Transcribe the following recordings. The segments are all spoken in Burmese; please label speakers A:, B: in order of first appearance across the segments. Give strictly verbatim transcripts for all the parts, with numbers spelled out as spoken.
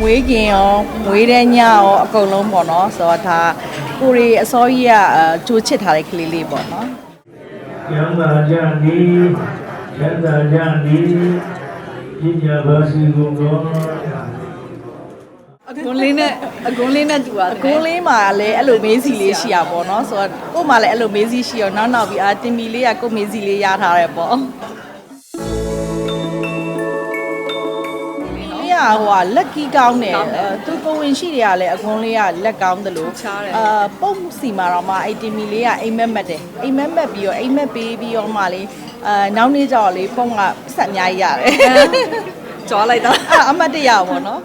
A: ွေးခင်ရောမွေးတဲ့ညရောအကုန်လုံးပေါ့နော်ဆိုတော့ဒါကိုရီအစောကြီးကကြိုးချစ်ထားတဲ့ကလေးလေးပေါ့နော်
B: ကျမ်းသာကြသည်ကျမ်းသာကြသည်ပညာပါစီကုန်သော
C: အကွန်လေးနဲ့အကွန်လေးနဲ့တူပါတယ်
A: အကွန်လေးမှာလည်းအဲ့လိုမေးစီလေးရှိရပေါ့နော်ဆိုတော့ကို့မှာလည်းအဲ့လိုမေးစီရှိရောနောက်နောက်ပြီးအာတင်မီလေးကကို့မေးစီလေးရထားတယ်ပေါ့ဟိုကလက်ကီးကောင်းတယ်သူကိုဝင်ရှိတွေကလည်းအကွန်လေးကလက်ကောင်းတယ်လို့အာပုံစီမှာတော့မှအဲ့တင်မီလေးကအိမ်မက်မက်တယ်အိမ်မက်မက်ပြီးတော့အိမ်မက်ပေးပြီးတော့မှလေအာနောက်နေ့ကျတော့လေပုံကဆက်အများကြီးရတယ်
C: ကြွားလိုက်တာ
A: အမတ်တရပေါ့နော်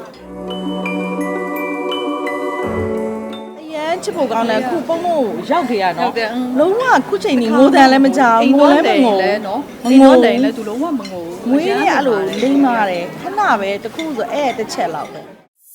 A: ချစ်ဖို့ကောင်းတယ်ခုပုံပုံရောက်ကြရနော်လုံးဝခုချိန်ကြီးငိုတန်လည်းမကြောက်ငိုလည်းမငို
C: လဲနော်အိမ်တော့တိုင်လဲသူလုံးဝမငို
A: မွေးရအဲ့လိုလိမ့်မာတယ်ခဏပဲတခုဆိုအဲ့တစ်ချက်လောက်ပဲ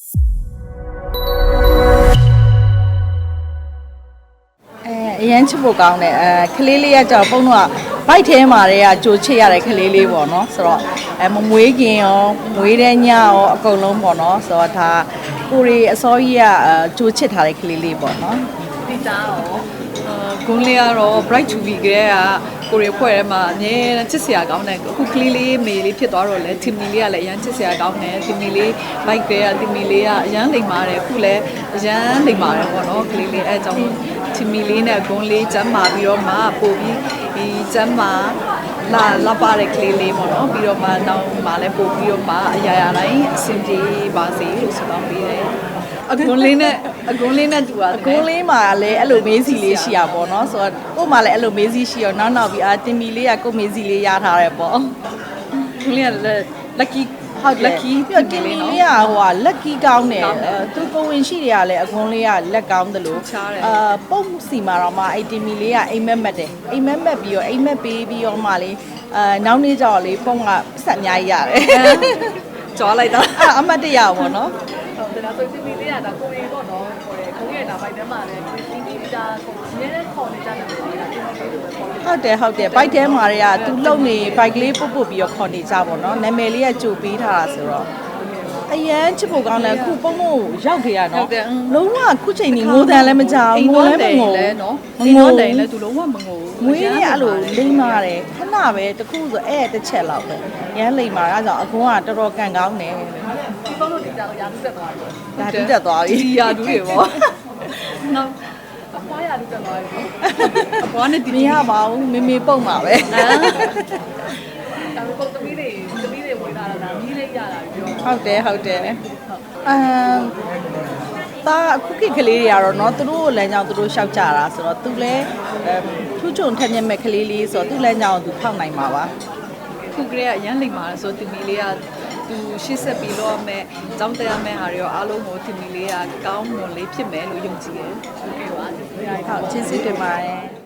A: အဲအရန်ချစ်ဖို့ကောင်းတယ်အဲကလေးလေးကကြောက်ပုံတော့ဘိုက်ထဲမှာတည်းကကြိုချစ်ရတဲ့ကလေးလေးပေါ့နော်ဆိုတော့အဲမမွေးခင်ရောမွေးတဲ့ညရောအကုန်လုံးပေါ့နော်ဆိုတော့ဒါကိုရီအစောကြီးကကြိုးချစ်ထားတဲ့ကလေးလေးပေါ့နော်
C: ဒီသားရောဂွန်းလေးကတော့ bright to be ကလေးကကိုရီဖွဲ့ထဲမှာအမြဲချစ်စရာကောင်းတယ်အခုကလေးလေးမေလေးဖြစ်သွားတော့လဲတင်မီလေးကလည်းအရန်ချစ်စရာကောင်းတယ်တင်မီလေး bike ကလေးကတင်မီလေးကအရန်လိမ်ပါတယ်အခုလည်းအရန်လိမ်ပါတယ်ပေါ့နော်ကလေးလေးအဲအကြောင်းတင်မီလေးနဲ့ဂွန်းလေးကျမ်းမာပြီးတော့မှပို့ပြီးဒီကျမ်းမာလာလာပါတဲ့ကလေးလေးပေါ့နော်ပြီးတော့မှနောက်မှလည်းပို့ပြီးတော့မှအရာရာတိုင်းအဆင်ပြေပါစေလို့ဆုတောင်းပေးတယ်အကွန်လေးနဲ့အကွန်လေးနဲ့တူပါတယ်
A: အကွန်လေးမှာလည်းအဲ့လိုမေးစီလေးရှိရပေါ့နော်ဆိုတော့ကို့မှာလည်းအဲ့လိုမေးစီရှိရောနောက်နောက်ပြီးအာတင်မီလေးကကို့မေးစီလေးရထားတယ်ပေါ့
C: ကွန်လေးက lucky
A: ဟုတ် lucky ပြီးတော့တင်မီလေးကဟိုကလက်ကီးကောင်းတယ်သူကိုဝင်ရှိတွေကလည်းအကွန်လေးကလက်ကောင်းတယ်လို့အာပုံစီမှာတော့မှအဲ့တင်မီလေးကအိမ်မက်မက်တယ်အိမ်မက်မက်ပြီးတော့အိမ်မက်ပေးပြီးတော့မှလေအာနောက်နေ့ကျတော့လေပုံကဆက်အများကြီးရတယ်
C: ကြွားလိုက်တာ
A: အမတ်တရပေါ့နော်
C: ဟုတ်တယ်လားဆိုတင်မီလေးကဒါကိုရီပေါ့နော်ခေါ်တယ်ခုံးရဲ့ဒါဘိုက်ထဲမှာလည်းတင်မီလေးဒါကိုအများနဲ့ခေါ်နေကြတယ်တင်မီလေးလိုပဲခေါ်တယ်
A: ဟုတ်တယ်ဟုတ်တယ်ဘိုက်ထဲမှာတွေကသူလုံနေဘိုက်ကလေးပုတ်ပုတ်ပြီးတော့ခေါ်နေကြပါတော့နာမည်လေးကကြိုပေးထားတာဆိုတော့အရန်ချစ်ဖို့ကောင်းတယ်ခုပုံပုံရောက်ကြရနော်လုံးဝခုချိန်ကြီးငိုတန်လည်းမကြောက်ငိုလည်းမငို
C: လဲနော်အိမ်တော့တိုင်လဲသူလုံးဝမငို
A: မွေးရအဲ့လိုလိမ့်မာတယ်ခဏပဲတခုဆိုအဲ့တစ်ချက်လောက်ပဲရမ်းလိမ့်မာအဲကြောင့်အကွန်းကတော်တော်ကန်ကောင်းတယ်
C: ဒီပုံလို့ဒီကြောင်ရာထူးတက်သွားပြီ
A: ရာထူးတက်သွားပြီ
C: ဒီရာထူးတွေပေါ့နော်အဖွားရာထူးတက်သွားပြီအဖွားနဲ့ဒီ
A: မရပါဘူးမေမေပုံပါပဲ
C: ဒါပေမဲ့သမီးတွေသမီးတွေဝင်လာတာမီးလေးရတာပြော
A: ဟုတ်တယ်ဟုတ်တယ်အမ်တာအခုခေတ်ကလေးတွေကတော့เนาะသူတို့လမ်းကြောင်းသူတို့ရှောက်ကြတာဆိုတော့သူလည်းထူးချွန်ထက်မြက်မဲ့ကလေးလေးဆိုတော့သူ့လမ်းကြောင်းသူဖောက်နိုင်မှာပါ
C: ခုကလေးကအရန်လိမ်ပါတယ်ဆိုတော့တင်မီလေးကသူရှေ့ဆက်ပြီးတော့မဲ့ကျောင်းတက်ရမယ့်ဟာတွေရောအားလုံးကိုတင်မီလေးကကောင်းမွန်လေးဖြစ်မယ်လို့ယုံကြည်တယ်
A: ဟုတ်ကဲ့ပါဟုတ်ကျေးဇူးတင်ပါတယ်